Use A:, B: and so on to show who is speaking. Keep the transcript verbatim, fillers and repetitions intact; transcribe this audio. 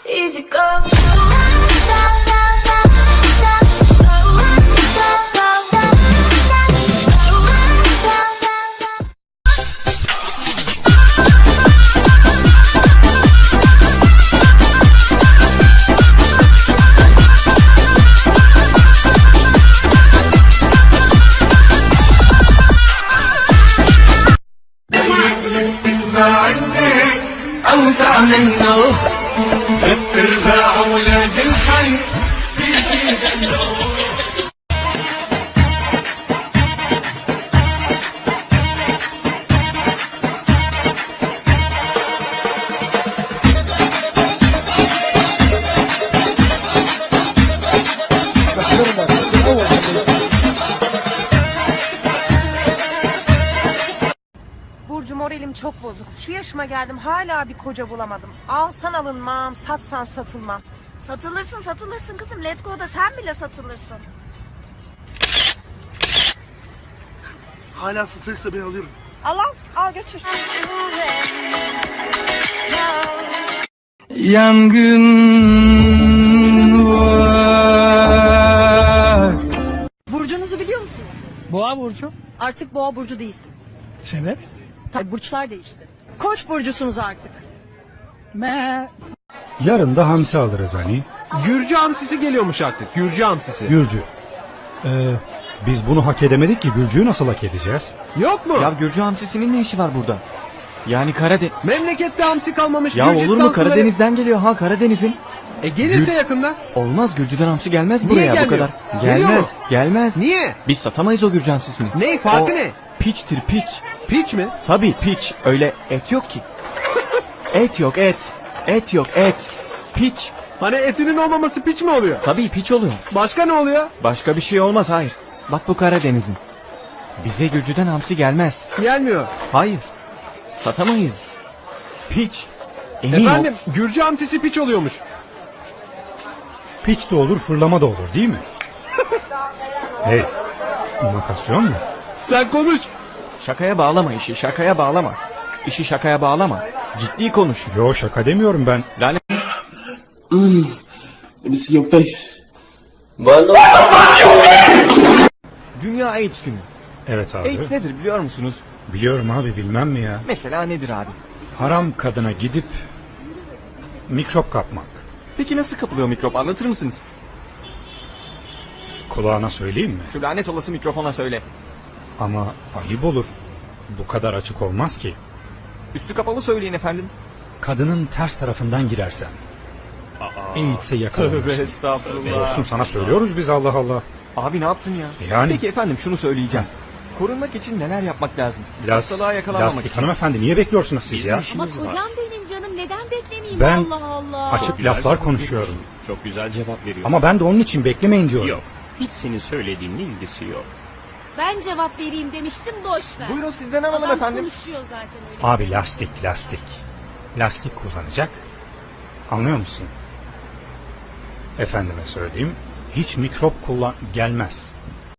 A: Easy go.
B: أوسع منه ارباع ولاد الحي فيكي جنة.
C: Burcu, moralim çok bozuk. Şu yaşıma geldim, hala bir koca bulamadım. Alsan alınmam, satsan satılmam.
D: Satılırsın satılırsın kızım. Let's Go'da sen bile satılırsın.
E: Hala satılıksa ben alıyorum.
C: Al al, al götür.
B: Yangın var.
F: Burcunuzu biliyor musunuz?
G: Boğa burcu.
F: Artık Boğa burcu değilsiniz.
G: Sebep?
F: Tabii burçlar değişti. Koç burcusunuz artık.
G: Me.
H: Yarın da hamsi alırız hani.
E: Gürcü hamsisi geliyormuş artık. Gürcü hamsisi.
H: Gürcü. Ee, biz bunu hak edemedik ki, Gürcü'yü nasıl hak edeceğiz?
E: Yok mu?
I: Ya Gürcü hamsisinin ne işi var burada? Yani Karadeniz...
E: Memlekette hamsi kalmamış.
I: Ya
E: Gürcistan
I: olur mu,
E: suları-
I: Karadeniz'den geliyor ha, Karadeniz'in.
E: E gelirse
I: Gür-
E: yakında.
I: Olmaz, Gürcü'den hamsi gelmez
E: Niye
I: buraya bu
E: gelmiyor?
I: kadar.
E: Geliyor
I: Gelmez,
E: mu?
I: gelmez.
E: Niye?
I: Biz satamayız o Gürcü hamsisini.
E: Ne? Farkı
I: O
E: ne?
I: Piçtir piç.
E: Piç mi?
I: Tabii piç, öyle et yok ki. Et yok et. Et yok et. Piç.
E: Hani etinin olmaması piç mi oluyor?
I: Tabii piç oluyor.
E: Başka ne oluyor?
I: Başka bir şey olmaz, hayır. Bak bu Karadeniz'in. Bize Gürcü'den hamsi gelmez.
E: Gelmiyor.
I: Hayır. Satamayız. Piç. Emin ol.
E: Efendim Gürcü hamsisi piç oluyormuş.
H: Piç de olur, fırlama da olur değil mi? Hey, makasyon mu?
E: Sen konuş.
I: Şakaya bağlama işi, şakaya bağlama. İşi şakaya bağlama. Ciddi konuş.
H: Yo, şaka demiyorum ben.
I: Lanet. Dünya AIDS günü.
H: Evet abi.
I: AIDS nedir biliyor musunuz?
H: Biliyorum abi, bilmem mi ya?
I: Mesela nedir abi?
H: Haram kadına gidip mikrop kapmak.
I: Peki nasıl kapılıyor mikrop, anlatır mısınız?
H: Kulağına söyleyeyim mi?
I: Şu lanet olası mikrofona söyle.
H: Ama ayıp olur. Bu kadar açık olmaz ki.
I: Üstü kapalı söyleyin efendim.
H: Kadının ters tarafından girersen. AIDS'e
I: Tövbe
H: yakalanırsın.
I: estağfurullah.
H: Dostum, sana söylüyoruz biz, Allah Allah.
I: Abi ne yaptın ya?
H: Yani?
I: Peki efendim şunu söyleyeceğim. Korunmak için neler yapmak lazım?
H: Las,
I: Hastalığa yakalanmamak
H: lastik
I: için.
H: hanımefendi, niye bekliyorsunuz siz ya?
D: Ama kocam benim canım, neden beklemeyeyim?
H: Ben
D: Allah Allah.
H: açık laflar konuşuyorum.
J: Çok güzel cevap veriyor.
H: Ama ben de onun için beklemeyin diyorum.
J: Yok. Hiç senin söylediğinle ilgisi yok.
D: Ben cevap vereyim demiştim, boş ver.
I: Buyurun sizden alalım
D: Adam
I: efendim.
D: konuşuyor zaten öyle.
H: Abi lastik lastik. Lastik kullanacak. Anlıyor musun? Efendime söyleyeyim. Hiç mikrop kullan gelmez.